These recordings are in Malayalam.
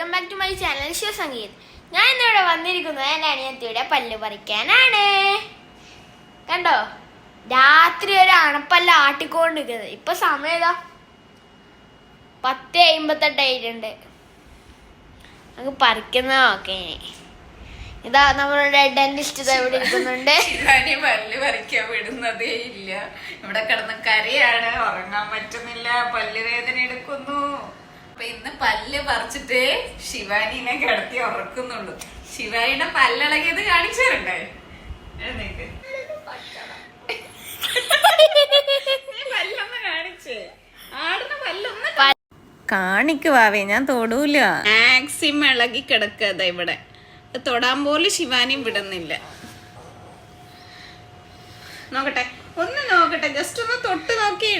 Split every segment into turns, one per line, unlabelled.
Welcome back to my channel Sivasangeeth. ഞാൻ ഇന്നിവിടെ വന്നിരിക്കുന്നത് എൻ്റെ അനിയത്തിയുടെ പല്ല് പറിക്കാനാണ്. കണ്ടോ, രാത്രി ഒരു അണപ്പല്ല ആട്ടിക്കൊണ്ടിരിക്കുന്നത്. ഇപ്പൊ സമയം ഏതാ 10:58 നമുക്ക് പറിക്കുന്ന നോക്കേ. ഇതാ നമ്മളുടെ ഡെന്റിസ്റ്റ് ഇവിടെ ഇരിക്കുന്നുണ്ട്.
പല്ല് പറിക്കാൻ വിടുന്നതേ ഇല്ല. ഇവിടെ കിടന്ന് കരയാണ്, ഉറങ്ങാൻ പറ്റുന്നില്ല, പല്ല് വേദന എടുക്കുന്നു. അപ്പൊ ഇന്ന് പല്ല് പറിച്ചിട്ട് ശിവാനിനെ കിടത്തി ഉറക്കുന്നുള്ളൂ. ശിവാനിയുടെ പല്ലിളകിയത് കാണിച്ചു തരണ്ടേ? എഴുന്നേക്ക്, പല്ലൊന്ന് കാണിച്ചേ. ആടുന്ന പല്ലൊന്ന് കാണിക്കുവാവേ, ഞാൻ തൊടൂല. മാക്സിമം ഇളകി കിടക്കത ഇവിടെ. തൊടാൻ പോലും ശിവാനിയും വിടുന്നില്ല. നോക്കട്ടെ, ഒന്ന് നോക്കട്ടെ, ജസ്റ്റ് ഒന്ന് തൊട്ട് നോക്കി.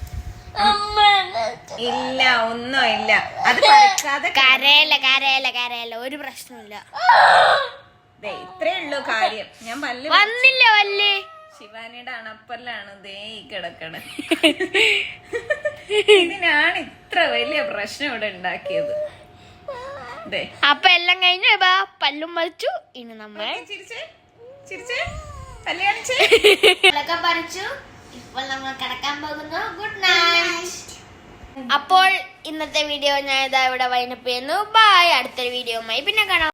ഇല്ല, ഒന്നും ഇല്ല. അത് പറിക്കാതെ
കരയല്ല, ഒരു പ്രശ്നമില്ല.
ഇത്രേ ഉള്ളൂ കാര്യം. ഞാൻ പല്ല്
വന്നില്ല പല്ല്.
ശിവാനിയുടെ അണപ്പല്ലാണ് ദേ ഈ കിടക്കണ. ഇതിനാണ് ഇത്ര വലിയ പ്രശ്നം ഇവിടെ ഉണ്ടാക്കിയത്.
അപ്പൊ എല്ലാം കഴിഞ്ഞു, പല്ലും പറിച്ചു. ഇനി നമ്മൾ പറിച്ചു. ഇപ്പോൾ നമ്മൾ കിടക്കാൻ പോകുന്നു. Good night. അപ്പോൾ ഇന്നത്തെ വീഡിയോ ഞാൻ ഇതാ ഇവിടെ വൈൻഡപ്പ് ചെയ്യുന്നു. ബൈ. അടുത്തൊരു വീഡിയോയുമായി പിന്നെ കാണാം.